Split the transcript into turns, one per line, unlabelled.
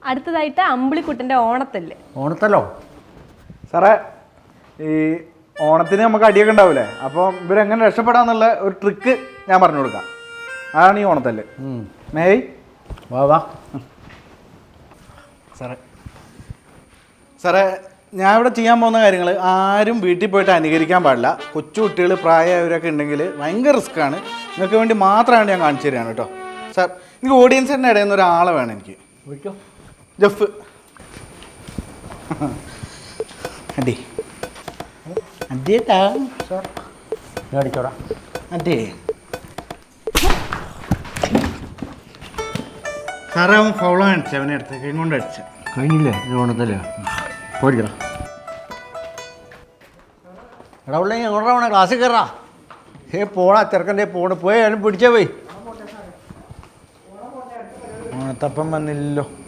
അടുത്തതായിട്ട് അമ്പിളിക്കുട്ടൻ്റെ ഓണത്തല്ല്.
ഓണത്തല്ലോ
സാറേ, ഈ ഓണത്തിന് നമുക്ക് അടിയൊക്കെ ഉണ്ടാവില്ലേ, അപ്പോൾ ഇവരെങ്ങനെ രക്ഷപ്പെടാന്നുള്ള ഒരു ട്രിക്ക് ഞാൻ പറഞ്ഞു കൊടുക്കാം. അതാണ് ഈ ഓണത്തല്ല്. മേയ്
വാ വാ.
സാറേ ഞാൻ ഇവിടെ ചെയ്യാൻ പോകുന്ന കാര്യങ്ങൾ ആരും വീട്ടിൽ പോയിട്ട് അനുകരിക്കാൻ പാടില്ല. കൊച്ചു കുട്ടികൾ, പ്രായമായവരൊക്കെ ഉണ്ടെങ്കിൽ ഭയങ്കര റിസ്ക്കാണ്. നിങ്ങൾക്ക് വേണ്ടി മാത്രമാണ് ഞാൻ കാണിച്ചു തരികയാണ് കേട്ടോ. സാർ, എനിക്ക് ഓഡിയൻസിൻ്റെ ഇടയിൽ നിന്ന് ഒരാളെ വേണം. എനിക്ക്
വിളിച്ചോ.
ജഫ് അടി അടിയേട്ടാ.
സാർ ഞാൻ അടിച്ചോടാ.
അതെ സാറേ, അവൻ ഫൗള കാണിച്ചു. അവനെ അടുത്ത് കൈ കൊണ്ട് അടിച്ച
കഴിഞ്ഞില്ലേ ഓണത്തല്ലേ? പോയിരിക്കണം. എടാ ഉള്ളെങ്കിൽ എങ്ങോട്ടാ വേണേ ക്ലാസ്സിൽ കയറാ. പോടാ ചെറുക്കൻ്റെ പോയി അതിനും പിടിച്ചേ പോയി.
ഓണത്തപ്പം വന്നില്ലല്ലോ.